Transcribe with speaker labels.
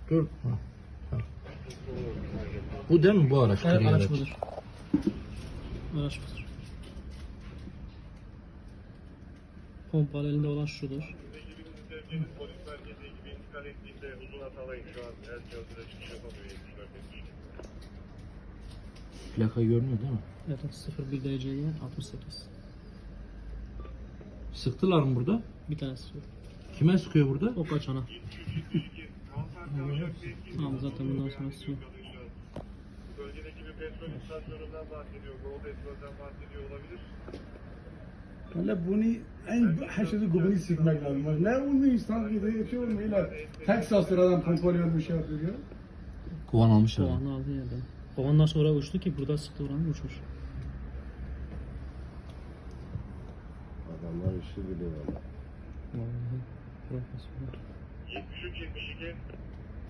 Speaker 1: Dur. Ha. Ha. Bu değil mi bu araç?
Speaker 2: Evet,
Speaker 1: gri
Speaker 2: araç budur. Araç budur. Pompalı elinde olan şudur.
Speaker 3: Polis merkezi gibi intikal ettiğinde uzun hatalayın şu an her cihazına çıkış yapamıyor 74 yetmiş.
Speaker 1: Plaka görünüyor değil mi?
Speaker 2: Evet 01 DC'ye 68.
Speaker 1: Sıktılar mı burada?
Speaker 2: Bir tanesi yok.
Speaker 1: Kime sıkıyor burada?
Speaker 2: O kaçana. Tamam zaten bundan sonrası yok.
Speaker 3: Bölgedeki bir petrol istasyonundan bahsediyor. Gold Petrol'den bahsediyor olabilir.
Speaker 4: Valla bunu en haşırı gubini sıkmak lazım. Ne onu insan gibi yapıyor mu? Texas'ta adam pompalıyor bir şey yapıyor.
Speaker 1: Kovan almış abi.
Speaker 2: Kovanı aldı yerden. Kovandan sonra uçtu ki burada sıktı oranı uçmuş.
Speaker 5: Adamlar işi biliyor valla.
Speaker 2: Vallahi profesyonel.
Speaker 3: 73-72